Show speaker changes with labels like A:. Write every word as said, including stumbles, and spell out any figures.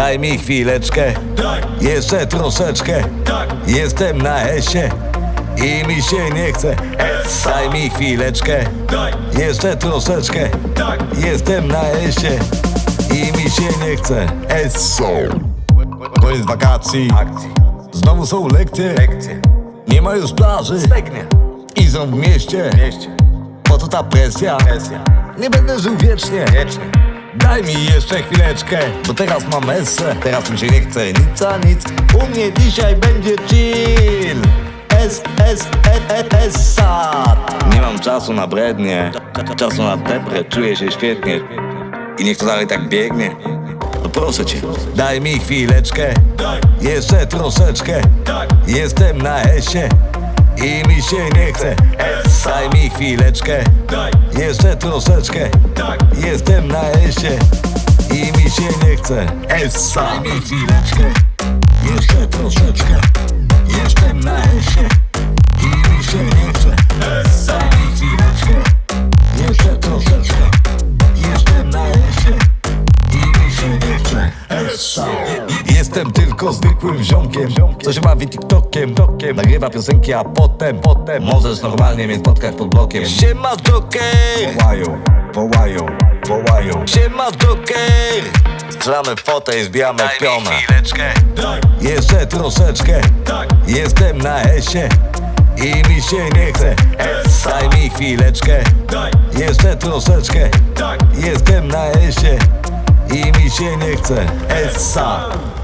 A: Daj mi chwileczkę, jeszcze troszeczkę. Jestem na esie i mi się nie chce. Daj mi chwileczkę, jeszcze troszeczkę. Jestem na esie i mi się nie chce. Eso. Koniec wakacji, znowu są lekcje. Nie ma już plaży i są w mieście. Po co ta presja? Nie będę żył wiecznie. Daj mi jeszcze chwileczkę, bo teraz mam esę. Teraz mi się nie chce nic a nic. U mnie dzisiaj będzie chill. S, S, E, E, Essa. Nie mam czasu na brednie, czasu na deprę. Czuję się świetnie i niech to dalej tak biegnie. No proszę cię, daj mi chwileczkę, jeszcze troszeczkę. Jestem na esie i mi się nie chce. Daj mi chwileczkę, jeszcze troszeczkę. Jestem na esie i mi się nie chce. Essa. Daj mi chwileczkę, jeszcze troszeczkę. Jestem na esie i mi się nie chce. Daj mi chwileczkę, jeszcze troszeczkę. Jestem na esie i mi się nie chce. Essa. Jestem tylko zwykłym ziomkiem, co się bawi TikTokiem. Nagrywa piosenki, a potem, potem możesz normalnie mnie spotkać pod blokiem. Siema Joker, wołają, wołają, wołają. Siema Joker, strzelamy fotę i zbijamy pionę. Jeszcze troszeczkę, jestem na esie i mi się nie chce. Daj mi chwileczkę, jeszcze troszeczkę. Jestem na esie i mi się nie chce. Essa.